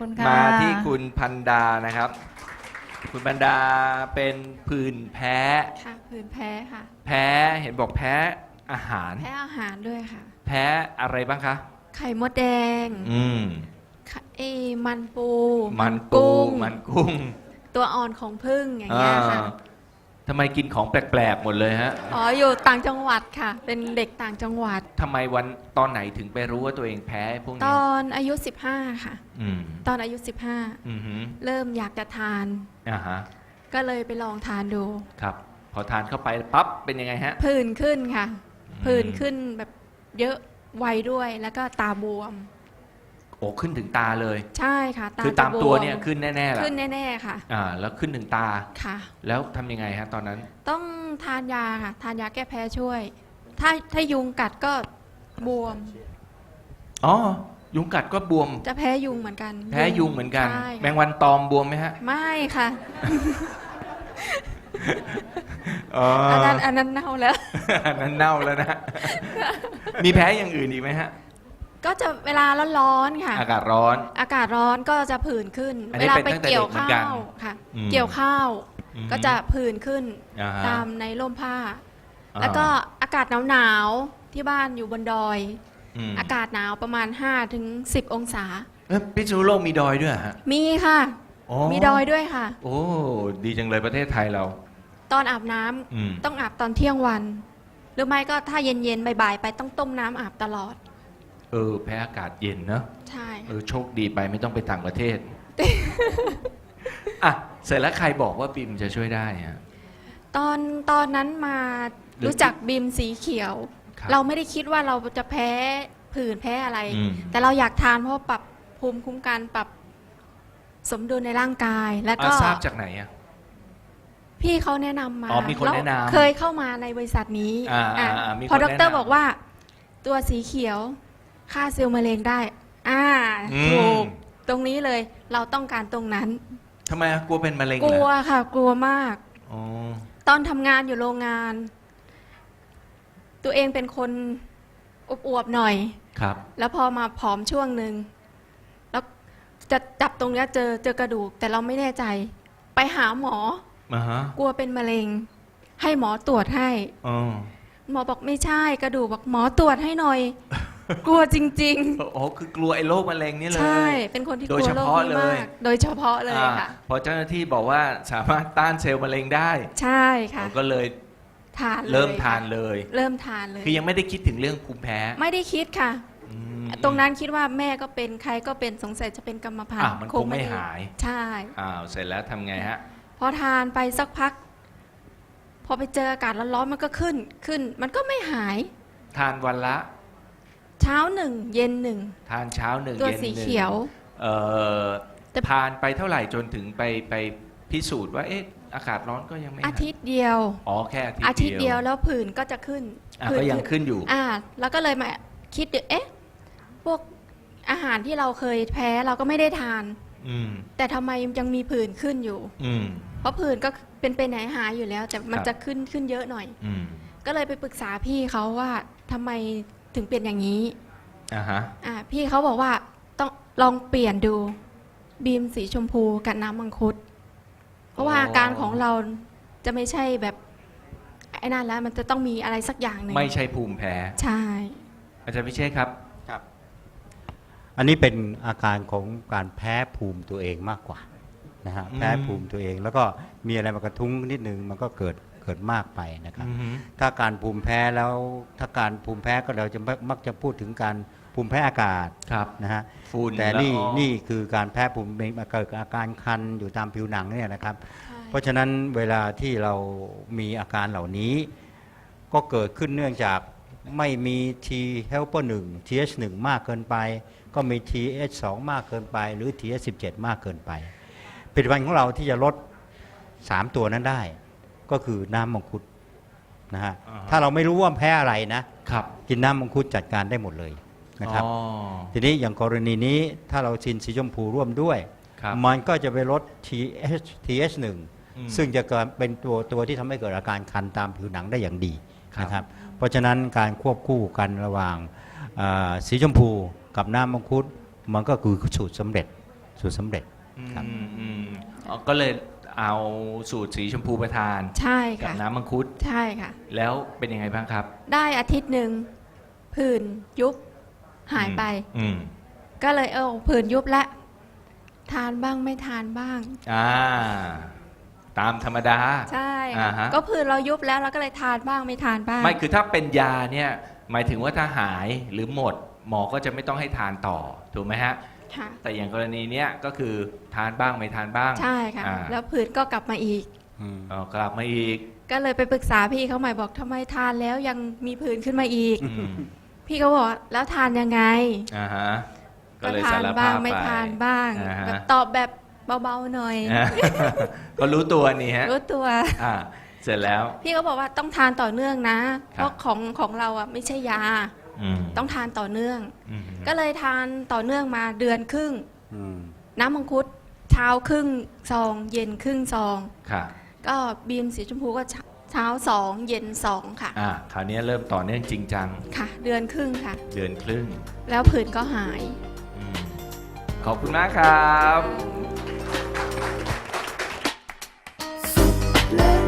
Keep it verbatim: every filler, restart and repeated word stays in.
คุณค่ะมาที่คุณพันดานะครับ คุณพันดาเป็นผื่นแพ้ค่ะผื่นแพ้ค่ะแพ้เห็นบอกแพ้อาหารแพ้อาหารด้วยค่ะแพ้อะไรบ้างคะไข่มดแดงอืมไข่เอมันปูมันปูกุ้งมันกุ้งตัวอ่อนของผึ้งอย่างเงี้ยค่ะอ่าทำไมกินของแปลกๆหมดเลยฮะอ๋ออยู่ต่างจังหวัดค่ะ เป็นเด็กต่างจังหวัดทำไมวันตอนไหนถึงไปรู้ว่าตัวเองแพ้พวกตนี้อนอายุสิบห้าค่ะอืมตอนอายุสิบห้าอือหือเริ่มอยากจะทานอ่าฮะก็เลยไปลองทานดูครับ พอทานเข้าไปปั๊บเป็นยังไงฮะผื่นขึ้นค่ะอืมผื่นขึ้นแบบเยอะไวด้วยแล้วก็ตาบวมโอ้ขึ้นถึงตาเลยใช่ค่ะตาคือตามจะบตัวเนี่ยขึ้นแน่ๆแหละขึ้นแน่ๆค่ะอ่า แล้วขึ้นถึงตาค่ะแล้วทำยังไงฮะตอนนั้นต้องทานยาค่ะ ทานยาแก้แพ้ช่วย ถ้าถ้ายุงกัดก็บวมอ๋อ ยุงกัดก็บวมจะแพ้ยุงเหมือนกันแพ้ยุงเหมือนกันใช่แมค่ะงวันตอมบวมไหมฮะไม่ค่ะอ๋ออันนั้นอันนั้นเน่าแล้วอันนั้นเน่าแล้วนะ มีแพ้อย่างอื่นอีกไหมฮะก็จะเวลาร้อนๆค่ะอากาศร้อนอากาศร้อนก็จะผื่นขึ้นอันนี้เวลาเป็นไปตั้งแต่เกี่ยวเด็กเหมือนข้ากันวค่ะอืมเกี่ยวข้าวอืมก็จะผื่นขึ้นอ่าฮะตามในร่มผ้าอ่าแล้วก็อากาศหนาวๆที่บ้านอยู่บนดอยอืมอากาศหนาวประมาณห้าถึงสิบองศาเอ้ยพิษณุโลกมีดอยด้วยเหรอฮะมีค่ะอ๋อมีดอยด้วยค่ะโอ้ ดีจังเลยประเทศไทยเราตอนอาบน้ำอืมต้องอาบตอนเที่ยงวัน หรือไม่ก็ถ้าเย็นๆบ่ายๆไปต้องต้มน้ำอาบตลอดเออ แพ้อากาศเย็นเนอะใช่เออ โชคดีไปไม่ต้องไปต่างประเทศ อ่ะ เสร็จแล้วใครบอกว่าบิมจะช่วยได้ฮะตอนตอนนั้นมาหรือรู้จักบีมสีเขียวครับเราไม่ได้คิดว่าเราจะแพ้ผื่นแพ้อะไรอืมแต่เราอยากทานเพราะปรับภูมิคุ้มกันปรับสมดุลในร่างกาย แล้วก็อ่ะทราบจากไหนอ่ะพี่เขาแนะนำมาอ๋อมีคนแนะนำล้วเคยเข้ามาในบริษัทนี้อ่าอ่ะอ่าอ่ามีคนพอดแนะรนำบอกว่า ตัวสีเขียวฆ่าเซลล์มะเร็งได้ อ่าอืมถูกตรงนี้เลย เราต้องการตรงนั้นทำไมอ่ะกลัวเป็นมะเร็งกเหรลัวอค่ะ กลัวมากอ๋อตอนทำงานอยู่โรงงาน ตัวเองเป็นคนอวบๆหน่อยครับแล้วพอมาผอมช่วงหนึ่งแล้วจะจับตรงเนี้ยเจอเจอกระดูก แต่เราไม่แน่ใจ ไปหาหมอมาฮะกลัวเป็นมะเร็ง ให้หมอตรวจให้อ๋อหมอบอกไม่ใช่กระดูกบอกหมอตรวจให้หน่อย กลัวจริงโอ้คือกลัวไอ้โรคมะเร็งนี่เลๆยใช่ เป็นคนที่กโดลัยว เฉโรคพาะนี้เลยมาก โดยเฉพาะเลยอ่าค่ะพอเจ้าหน้าที่บอกว่าสามารถต้านเซลล์มะเร็งได้ใช่ค่ะก็เลยทานลยเริ่มทานค่ะเลยเริ่มทานเลยคือยังไม่ได้คิดถึงเรื่องภูมิแพ้ไม่ได้คิดค่ะอืมตรงนั้นคิดว่าแม่ก็เป็นใครก็เป็นสงสัยจะเป็นกรรมพันอ่ะธุ์มันคงไม่ด้หายใช่อ้าวเสร็จแล้วทำไงฮะพอทานไปสักพัก พอไปเจออากาศร้อนๆมันก็ขึ้นขึ้น มันก็ไม่หายทานวันละเช้าหนึ่งเย็นหนึ่งทานเช้าหนึ่งตัวเย็นหสีนึ่งเขียวเอ่อแต่ทานไปเท่าไหร่จนถึงไปไปพิสูจน์ว่าเอ๊ะอากาศร้อนก็ยังไม่หายอาทิตย์เดียวอ๋อแค่อาทิตอาย์ทิตย์เดียวแล้วผื่นก็จะขึ้นอ่ะผื่นก็ยังขึ้นอยู่อ่า แล้วก็เลยมาคิดดูเอ๊ะ พวกอาหารที่เราเคยแพ้เราก็ไม่ได้ทานอืมแต่ทำไมยังมีผื่นขึ้นอยู่อืมเพราะผื่นก็เป็นเป็นไหนหายอยู่แล้ว แต่มันครับจะขึ้นขึ้นเยอะหน่อยอืมก็เลยไปปรึกษาพี่เขาว่าทำไมถึงเป็นอย่างนี้อ่าฮะอ่าพี่เขาบอกว่าต้องลองเปลี่ยนดูบีมสีชมพูกับน้ำมังคุด เพราะว่าอ๋อออาการของเราจะไม่ใช่แบบไอ้นั่นแล้ว มันจะต้องมีอะไรสักอย่างหนึ่งไม่ใช่ภูมิแพ้ใช่อาจารย์พิเชษครับครับอันนี้เป็นอาการของการแพ้ภูมิตัวเองมากกว่านะฮะอืมแพ้ภูมิตัวเอง แล้วก็มีอะไรมากระทุ้งนิดนึงมันก็เกิดเกิดมากไปนะครับอือฮึถ้าการภูมิแพ้แล้วถ้าการภูมิแพ้ก็เราจะมักมักจะพูดถึงการภูมิแพ้อากาศครับนะฮะฝุ่นแต่นี่ละอองนี่คือการแพ้ภูมิมาเกิดอาการคันอยู่ตามผิวหนังเนี่ยนะครับใช่เพราะฉะนั้นเวลาที่เรามีอาการเหล่านี้ ก็เกิดขึ้นเนื่องจากไม่มี T helper หนึ่ง ที เอช หนึ่ง มากเกินไป ก็มี ที เอช สอง มากเกินไป หรือ ที เอช สิบเจ็ด มากเกินไปผลิตภัณฑ์ของเราที่จะลด สาม ตัวนั้นได้ ก็คือน้ำมังคุดนะฮะอ่าฮะถ้าเราไม่รู้ว่าแพ้อะไรนะครับ กินน้ำมังคุดจัดการได้หมดเลยนะครับอ๋อทีนี้อย่างกรณีนี้ถ้าเราชินสีชมพูร่วมด้วยครับมันก็จะไปลด ที เอช ที เอช หนึ่งอืมซึ่งจะเกิดเป็นตัวตัวที่ทำให้เกิดอาการคันตามผิวหนังได้อย่างดีครับนะครับ เพราะฉะนั้นการควบคู่กันระหว่างอ่าสีชมพูกับน้ำมังคุดมันก็คือสูตรสำเร็จสูตรสำเร็จ ครับอืมอืมอ๋อก็เลยเอาสูตรสีชมพูไปทานใช่กับค่ะน้ำมังคุดใช่ค่ะแล้วเป็นยังไงบ้างครับได้อาทิตย์หนึ่งผื่นยุบหายไปอืมก็เลยเออผื่นยุบละทานบ้างไม่ทานบ้างอ่า ตามธรรมดาใช่อ่าค่ะฮะก็ผื่นเรายุบแล้วเราก็เลยทานบ้างไม่ทานบ้างไม่คือถ้าเป็นยาเนี่ย หมายถึงว่าถ้าหายหรือหมด หมอก็จะไม่ต้องให้ทานต่อ ถูกไหมฮะค่ะแต่อย่างกรณีเนี้ยก็คือทานบ้างไม่ทานบ้างใช่ค่ะอ่าแล้วผื่นก็กลับมาอีกอืมอ๋อกลับมาอีกก็เลยไปปรึกษาพี่เขาใหม่บอกทำไมทานแล้วยังมีผื่นขึ้นมาอีกอืมพี่เขาบอกแล้วทานยังไงอ่าฮะ ก็เลยทาสาน รบ้าภาง พไม่ไปทานบ้างอ่าฮะแบบตอบแบบเบาๆหน่อยอ่า ก็รู้ตัวนี่ฮะรู้ตัวอ่า เสร็จแล้วพี่เขาบอกว่าต้องทานต่อเนื่องนะครับเพราะของของเราอ่ะไม่ใช่ยาอืมต้องทานต่อเนื่องอืมก็เลยทานต่อเนื่องมาเดือนครึ่งอืมน้ำมังคุดเช้าครึ่งซอง เย็นครึ่งซองค่ะก็บีมสีชมพูก็เช้าเช้าสองเย็นสองค่ะอ่า คราวนี้เริ่มต่อเนื่องจริงจังค่ะ เดือนครึ่งค่ะเดือนครึ่งแล้วผื่นก็หายอืมขอบคุณมากครับและ